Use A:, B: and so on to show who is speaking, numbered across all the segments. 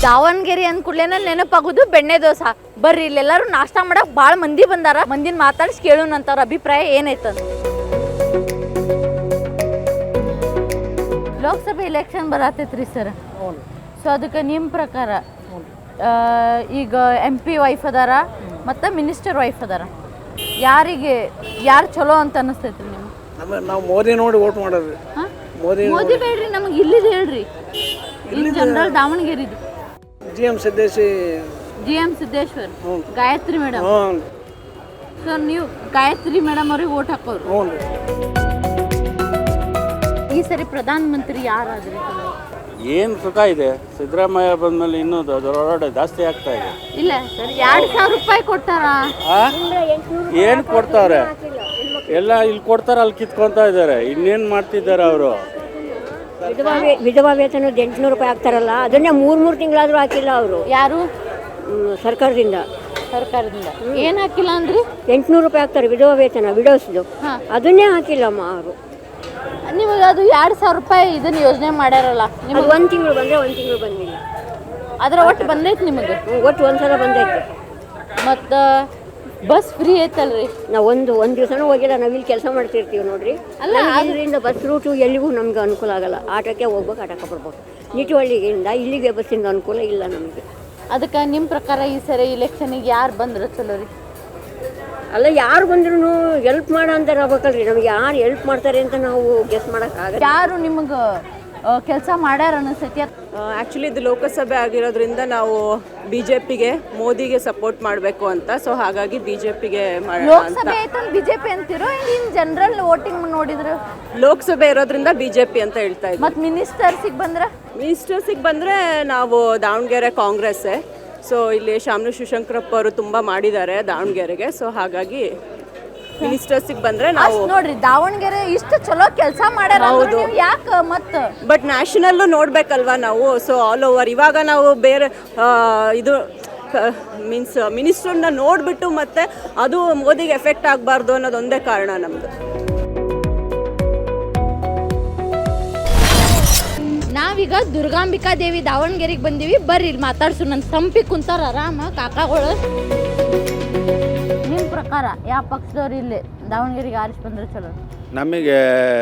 A: ದಾವಣಗೆರೆ ಅಂದ ಕೂಡಲೇ ನೆನಪಾಗೋದು ಬೆಣ್ಣೆ ದೋಸೆ. ಬರ್ರಿ ಇಲ್ಲೆಲ್ಲರೂ ನಾಷ್ಟ ಮಾಡಕ್ ಭಾಳ ಮಂದಿ ಬಂದಾರ. ಮಂದಿನ ಮಾತಾಡಿಸಿ ಕೇಳೋಣ ಅವ್ರ ಅಭಿಪ್ರಾಯ ಏನೈತಂತ. ಲೋಕಸಭೆ ಎಲೆಕ್ಷನ್ ಬರತೈತ್ರಿ ಸರ್. ಸೊ ಅದಕ್ಕೆ ನಿಮ್ಮ ಪ್ರಕಾರ ಈಗ MP ವೈಫ್ ಅದಾರ ಮತ್ತು ಮಿನಿಸ್ಟರ್ ವೈಫ್ ಅದಾರ, ಯಾರು ಚಲೋ ಅಂತ ಅನ್ನಿಸ್ತೈತ್ರಿ ನಿಮ್ಗೆ?
B: ನಾವು ಮೋದಿ ನೋಡಿ ವೋಟ್ ಮಾಡೋದು.
A: ಮೋದಿ ಬೇಡ್ರಿ, ನಮಗೆ ಇಲ್ಲಿದು ಹೇಳ್ರಿ. ಇನ್ ಜನರಲ್ ದಾವಣಗೆರೆದು
B: GM
A: Siddeshwar, Gayatri madam. So ನೀವು ಗಾಯತ್ರಿ ಮೇಡಮ್ ಅವ್ರಿಗೆ ವೋಟ್ ಹಾಕೋರು. ಈ ಸರಿ ಪ್ರಧಾನ ಮಂತ್ರಿ ಯಾರಾದ್ರಿ?
C: ಏನು ಸುಖ ಇದೆ, ಸಿದ್ದರಾಮಯ್ಯ ಬಂದ್ಮೇಲೆ ಇನ್ನೂ ದೊಡ್ಡ ಜಾಸ್ತಿ ಆಗ್ತಾ ಇದೆ.
A: ಇಲ್ಲ ಸರ್, 2,000 ರೂಪಾಯಿ ಕೊಟ್ಟಾರ.
C: ಏನು ಕೊಡ್ತಾರೆ? ಎಲ್ಲ ಇಲ್ಲಿ ಕೊಡ್ತಾರೆ, ಅಲ್ಲಿ ಕಿತ್ಕೊತಾ ಇದ್ದಾರೆ. ಇನ್ನೇನು ಮಾಡ್ತಿದ್ದಾರೆ ಅವರು?
D: ವಿಧವಾ ವೇತನ 800 ರೂಪಾಯಿ ಹಾಕ್ತಾರಲ್ಲ, ಅದನ್ನೇ 3 ತಿಂಗಳಾದ್ರೂ ಹಾಕಿಲ್ಲ ಅವರು.
A: ಯಾರು?
D: ಸರ್ಕಾರದಿಂದ
A: ಏನು ಹಾಕಿಲ್ಲ ಅಂದ್ರಿ?
D: 800 ರೂಪಾಯಿ ಹಾಕ್ತಾರೆ ವಿಧವಾ ವೇತನ, ವಿಡೋಸ್ದು. ಅದನ್ನೇ ಹಾಕಿಲ್ಲಮ್ಮ ಅವರು.
A: ನಿಮಗೆ ಅದು 2,000 ರೂಪಾಯಿ ಇದನ್ನ ಯೋಜನೆ ಮಾಡ್ಯಾರಲ್ಲ, ನಿಮಗೆ
D: 1 ತಿಂಗಳು ಬಂದರೆ 1 ತಿಂಗಳು ಬಂದಿಲ್ಲ.
A: ಅದರ ಒಟ್ಟು ಬಂದೈತೆ ನಿಮಗೆ?
D: ಒಟ್ಟು ಒಂದ್ಸಲ ಬಂದೈತೆ.
A: ಮತ್ತು ಬಸ್ ಫ್ರೀ ಐತಲ್ರಿ?
D: ನಾವು ಒಂದು ದಿವಸನೂ ಹೋಗಿಲ್ಲ. ನಾವು ಇಲ್ಲಿ ಕೆಲಸ ಮಾಡ್ತಿರ್ತೀವಿ ನೋಡ್ರಿ. ಅಲ್ಲ, ಅದರಿಂದ ಬಸ್ ರೂಟು ಎಲ್ಲಿಗೂ ನಮ್ಗೆ ಅನುಕೂಲ ಆಗಲ್ಲ. ಆಟೋಕ್ಕೆ ಹೋಗ್ಬೇಕು, ಆಟೋಕ್ಕೆ ಬರ್ಬೇಕು. ನಿಟುವಳ್ಳಿಯಿಂದ ಇಲ್ಲಿಗೆ ಬಸ್ಸಿಂದ ಅನುಕೂಲ ಇಲ್ಲ ನಮಗೆ.
A: ಅದಕ್ಕೆ ನಿಮ್ಮ ಪ್ರಕಾರ ಈ ಸರಿ ಇಲೆಕ್ಷನಿಗೆ ಯಾರು ಬಂದ್ರೆ ಚಲೋ ರೀ?
D: ಅಲ್ಲ, ಯಾರು ಬಂದ್ರೂ ಹೆಲ್ಪ್ ಮಾಡೋ ಅಂತಾರೆ ಆಗ್ಬೇಕಲ್ರಿ. ನಮಗೆ ಯಾರು ಹೆಲ್ಪ್ ಮಾಡ್ತಾರೆ ಅಂತ ನಾವು ಗೆಸ್ ಮಾಡೋಕ್ಕಾಗಲ್ಲ.
A: ಯಾರು ನಿಮಗೆ ಕೆಲಸ ಮಾಡ್ಯಾರ ಅನಿಸ್ತೈತಿ?
E: ಆ್ಯಕ್ಚುಲಿ ಇದು ಲೋಕಸಭೆ ಆಗಿರೋದ್ರಿಂದ ನಾವು BJPಗೆ, ಮೋದಿಗೆ ಸಪೋರ್ಟ್ ಮಾಡಬೇಕು ಅಂತ. ಸೊ ಹಾಗಾಗಿ BJPಗೆ
A: ಲೋಕಸಭೆ ಆಯ್ತು BJP ಅಂತಿರೋ, ಇನ್ ಜನರಲ್ ವೋಟಿಂಗ್ ನೋಡಿದ್ರು
E: ಲೋಕಸಭೆ ಇರೋದ್ರಿಂದ BJP ಅಂತ ಹೇಳ್ತಾ ಇದ್ದೀವಿ.
A: ಮತ್ತು ಮಿನಿಸ್ಟರ್ಸಿಗೆ ಬಂದರೆ ನಾವು ದಾವಣಗೆರೆ
E: ಕಾಂಗ್ರೆಸ್ಸೇ. ಸೊ ಇಲ್ಲಿ ಶಾಮನು ಶಿವಶಂಕರಪ್ಪ ಅವರು ತುಂಬ ಮಾಡಿದ್ದಾರೆ ದಾವಣಗೆರೆಗೆ. ಸೊ ಹಾಗಾಗಿ ಮಿನಿಸ್ಟರ್ಸಿಗೆ ಬಂದರೆ ನಾವು
A: ನೋಡ್ರಿ, ದಾವಣಗೆರೆ ಇಷ್ಟು ಚಲೋ ಕೆಲಸ ಮಾಡ್ಯಾರ. ಹೌದು, ಯಾಕೆ ಮತ್ತೆ
E: ಬಟ್ ನ್ಯಾಷನಲ್ಲು ನೋಡಬೇಕಲ್ವಾ ನಾವು. ಸೊ ಆಲ್ ಓವರ್ ಇವಾಗ ನಾವು ಬೇರೆ ಇದು ಮೀನ್ಸ್ ಮಿನಿಸ್ಟ್ರನ್ನ ನೋಡಿಬಿಟ್ಟು ಮತ್ತೆ ಅದು ಮೋದಿಗೆ ಎಫೆಕ್ಟ್ ಆಗಬಾರ್ದು ಅನ್ನೋದೊಂದೇ ಕಾರಣ ನಮ್ಮದು.
A: ನಾವೀಗ ದುರ್ಗಾಂಬಿಕಾ ದೇವಿ ದಾವಣಗೆರೆಗೆ ಬಂದೀವಿ. ಬರ್ರಿ ಇಲ್ಲಿ ಮಾತಾಡ್ಸು. ನನ್ನ ತಂಪಿ ಕುಂತಾರ ಆರಾಮ ಕಾಕಾಗಳು. ನಿಮ್ಮ ಪ್ರಕಾರ ಯಾವ ಪಕ್ಷದವ್ರು ಇಲ್ಲಿ ದಾವಣಗೆರೆಗೆ ಆರಿಸಿ ಬಂದ್ರೆ ಚಲೋ?
F: ನಮಗೆ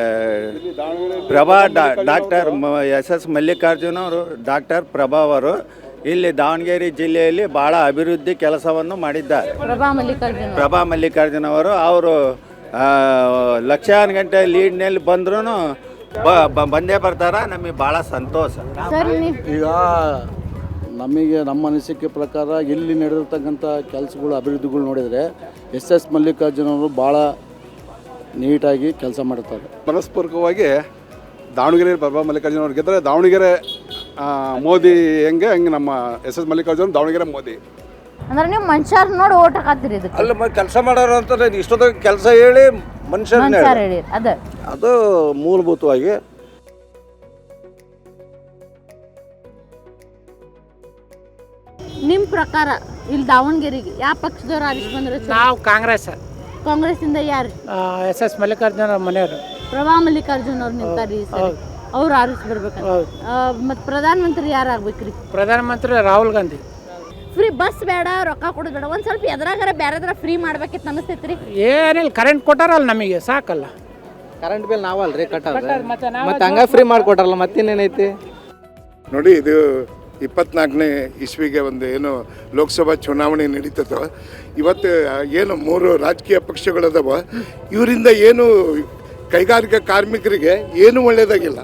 F: ಡಾಕ್ಟರ್ SS ಮಲ್ಲಿಕಾರ್ಜುನ ಅವರು, ಡಾಕ್ಟರ್ ಪ್ರಭಾ ಅವರು ಇಲ್ಲಿ ದಾವಣಗೆರೆ ಜಿಲ್ಲೆಯಲ್ಲಿ ಭಾಳ ಅಭಿವೃದ್ಧಿ ಕೆಲಸವನ್ನು ಮಾಡಿದ್ದಾರೆ. ಪ್ರಭಾ ಮಲ್ಲಿಕಾರ್ಜುನ ಅವರು ಲಕ್ಷಾನು ಗಂಟೆ ಲೀಡ್ನಲ್ಲಿ ಬಂದ್ರೂ ಬಂದೇ ಬರ್ತಾರ. ನಮಗೆ ಭಾಳ ಸಂತೋಷ.
B: ಈಗ ನಮಗೆ ನಮ್ಮ ಅನಿಸಿಕೆ ಪ್ರಕಾರ ಇಲ್ಲಿ ನಡೆದಿರ್ತಕ್ಕಂಥ ಕೆಲಸಗಳು, ಅಭಿವೃದ್ಧಿಗಳು ನೋಡಿದರೆ SS ಮಲ್ಲಿಕಾರ್ಜುನ ಅವರು ಭಾಳ ನೀಟಾಗಿ ಕೆಲಸ ಮಾಡ್ತಾರೆ.
G: ಮನಸ್ಪೂರ್ವಕವಾಗಿ ದಾವಣಗೆರೆ ಪ್ರಭಾ ಮಲ್ಲಿಕಾರ್ಜುನ ಅವ್ರು ಗೆದ್ದರೆ ದಾವಣಗೆರೆ ಮೋದಿ ಹಂಗೆ ನಮ್ಮ SS ಮಲ್ಲಿಕಾರ್ಜುನ ದಾವಣಗೆರೆ ಮೋದಿ.
A: ಅಂದ್ರೆ ನೀವು ಮನುಷ್ಯರ್ ನೋಡಿ ಓಟ್ ಹಾಕತ್ತೀರಿ? ಇದಕ್ಕೆ
H: ಅಲ್ಲ, ಕೆಲಸ ಮಾಡೋರು ಅಂತ ಇಷ್ಟೊತ್ತಿಗೆ ಕೆಲಸ ಹೇಳಿ ಮನುಷ್ಯರನ್ನ
A: ಹೇಳಿ
H: ಅದು ಮೂಲಭೂತವಾಗಿ.
A: ನಿಮ್ಮ ಪ್ರಕಾರ ಇಲ್ಲಿ ದಾವಣಗೆರೆಗೆ ಯಾವ ಪಕ್ಷದವ್ರು ಆರಿಸಿ ಬಂದ್ರೆ?
I: ನಾವು
A: ಕಾಂಗ್ರೆಸ್ಸಿಂದ ಯಾರು?
I: SS ಮಲ್ಲಿಕಾರ್ಜುನ ಮನೆಯವರು.
A: ಪ್ರಭಾ ಮಲ್ಲಿಕಾರ್ಜುನ ಅವ್ರು ನಿಂತಾರಿ, ಅವ್ರು ಆರಿಸಿ ಬರ್ಬೇಕಂತ. ಮತ್ತು ಪ್ರಧಾನ ಮಂತ್ರಿ ಯಾರು ಆಗ್ಬೇಕ್ರಿ?
I: ಪ್ರಧಾನ ಮಂತ್ರಿ ರಾಹುಲ್ ಗಾಂಧಿ.
A: ಫ್ರೀ ಬಸ್ ಬೇಡ, ರೊಕ್ಕ ಕೊಡೋದು ಬೇಡ, ಒಂದು ಸ್ವಲ್ಪ ಎದ್ರಾಗಾರ ಬೇರೆದ್ರ ಫ್ರೀ ಮಾಡ್ಬೇಕಿತ್ತು ಅನಿಸ್ತೈತ್ರಿ.
I: ಏನಿಲ್ಲ, ಕರೆಂಟ್ ಕೊಟ್ಟಾರಲ್ಲ ನಮಗೆ, ಸಾಕಲ್ಲ.
J: ಕರೆಂಟ್ ಬಿಲ್ ನಾವಲ್ರಿ ಕಟ್ಟೋದು, ಮತ್ತೆ ಹಂಗ ಫ್ರೀ ಮಾಡಿಕೊಟ್ರಲ್ಲ, ಮತ್ತಿನ್ನೇನೈತಿ
G: ನೋಡಿ. ಇದು 24ನೇ ಇಸ್ವಿಗೆ ಒಂದು ಏನು ಲೋಕಸಭಾ ಚುನಾವಣೆ ನಡೀತದೋ, ಇವತ್ತು ಏನು 3 ರಾಜಕೀಯ ಪಕ್ಷಗಳದಾವ, ಇವರಿಂದ ಏನು ಕೈಗಾರಿಕಾ ಕಾರ್ಮಿಕರಿಗೆ ಏನು ಒಳ್ಳೆಯದಾಗಿಲ್ಲ.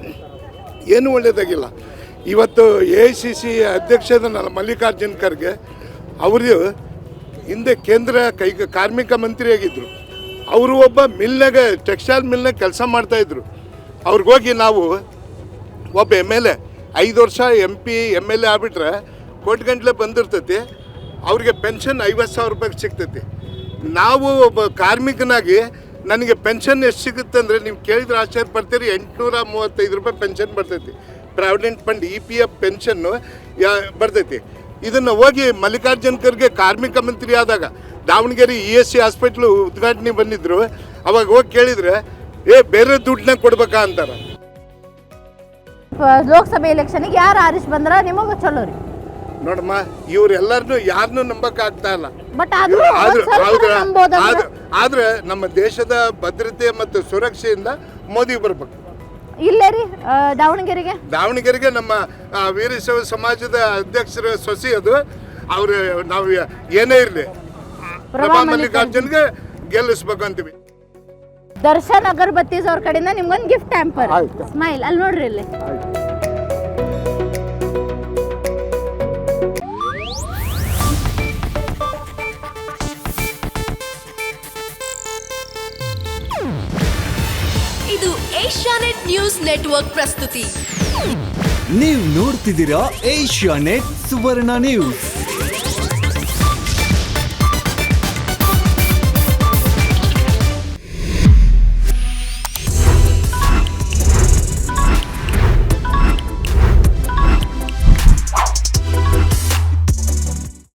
G: ಇವತ್ತು AICC ಅಧ್ಯಕ್ಷದ ಮಲ್ಲಿಕಾರ್ಜುನ್ ಖರ್ಗೆ ಅವರು ಹಿಂದೆ ಕೇಂದ್ರ ಕಾರ್ಮಿಕ ಮಂತ್ರಿಯಾಗಿದ್ದರು. ಅವರು ಒಬ್ಬ ಮಿಲ್ನಾಗ, ಟೆಕ್ಸ್ಟೈಲ್ ಮಿಲ್ನಾಗ ಕೆಲಸ ಮಾಡ್ತಾಯಿದ್ರು. ಅವ್ರಿಗೋಗಿ ನಾವು ಒಬ್ಬ MLA 5 ವರ್ಷ MP MLA ಆಗ್ಬಿಟ್ರೆ ಕೋಟಿಗಂಟ್ಲೆ ಬಂದಿರ್ತೈತಿ. ಅವ್ರಿಗೆ ಪೆನ್ಷನ್ 50,000 ರೂಪಾಯಿಗೆ ಸಿಗ್ತೈತಿ. ನಾವು ಒಬ್ಬ ಕಾರ್ಮಿಕನಾಗಿ ನನಗೆ ಪೆನ್ಷನ್ ಎಷ್ಟು ಸಿಗುತ್ತೆ ಅಂದರೆ, ನೀವು ಕೇಳಿದ್ರೆ ಆಶ್ಚರ್ಯ ಪಡ್ತೀರಿ. 835 ರೂಪಾಯಿ ಪೆನ್ಷನ್ ಬರ್ತೈತಿ. ಪ್ರಾವಿಡೆಂಟ್ ಫಂಡ್ EPF ಪೆನ್ಷನ್ನು ಬರ್ತೈತಿ. ಇದನ್ನು ಹೋಗಿ ಮಲ್ಲಿಕಾರ್ಜುನ್ ಖರ್ಗೆ ಕಾರ್ಮಿಕ ಮಂತ್ರಿ ಆದಾಗ ದಾವಣಗೆರೆ ESC ಹಾಸ್ಪಿಟ್ಲು ಉದ್ಘಾಟನೆ ಬಂದಿದ್ರು. ಅವಾಗ ಹೋಗಿ ಕೇಳಿದರೆ ಬೇರೆ ದುಡ್ಡನ್ನ ಕೊಡ್ಬೇಕಾ ಅಂತಾರೆ.
A: ಲೋಕಸಭೆ ಎಲೆಕ್ಷನ್ಗೆ ಯಾರು ಆರಿಸಿ ಬಂದ್ರೆ ನಿಮಗೆ ಚಲೋ ರೀ?
G: ನೋಡಮ್ಮ ಇವರೆಲ್ಲರನ್ನು ಯಾರನ್ನೂ ನಂಬಕ್ ಆಗ್ತಾ ಇಲ್ಲ.
A: ಬಟ್
G: ಆದ್ರೆ ಆದ್ರೆ ನಮ್ಮ ದೇಶದ ಭದ್ರತೆ ಮತ್ತು ಸುರಕ್ಷೆಯಿಂದ ಮೋದಿ ಬರ್ಬೇಕು.
A: ಇಲ್ಲೇ ರೀ
G: ದಾವಣಗೆರೆಗೆ ನಮ್ಮ ವೀರಶೈವ ಸಮಾಜದ ಅಧ್ಯಕ್ಷರ ಸೊಸಿ ಅದು. ಅವ್ರು ನಾವು ಏನೇ ಇರಲಿ ಪ್ರಭಾ ಮಲ್ಲಿಕಾರ್ಜುನ್ಗೆ ಗೆಲ್ಲಿಸ್ಬೇಕು ಅಂತೀವಿ.
A: ದರ್ಶನ್ ಅಗರ್ಬತ್ತೀಸ್ ಅವ್ರ ಕಡೆಯಿಂದ ನಿಮ್ಗೊಂದು ಗಿಫ್ಟ್ ಟ್ಯಾಂಪರ್ ಸ್ಮೈಲ್ ಅಲ್ಲಿ ನೋಡ್ರಿ ಇಲ್ಲಿ.
K: ಇದು ಏಷ್ಯಾನೆಟ್ ನ್ಯೂಸ್ ನೆಟ್ವರ್ಕ್ ಪ್ರಸ್ತುತಿ.
L: ನೀವು ನೋಡ್ತಿದ್ದೀರಾ ಏಷ್ಯಾನೆಟ್ ಸುವರ್ಣ ನ್ಯೂಸ್.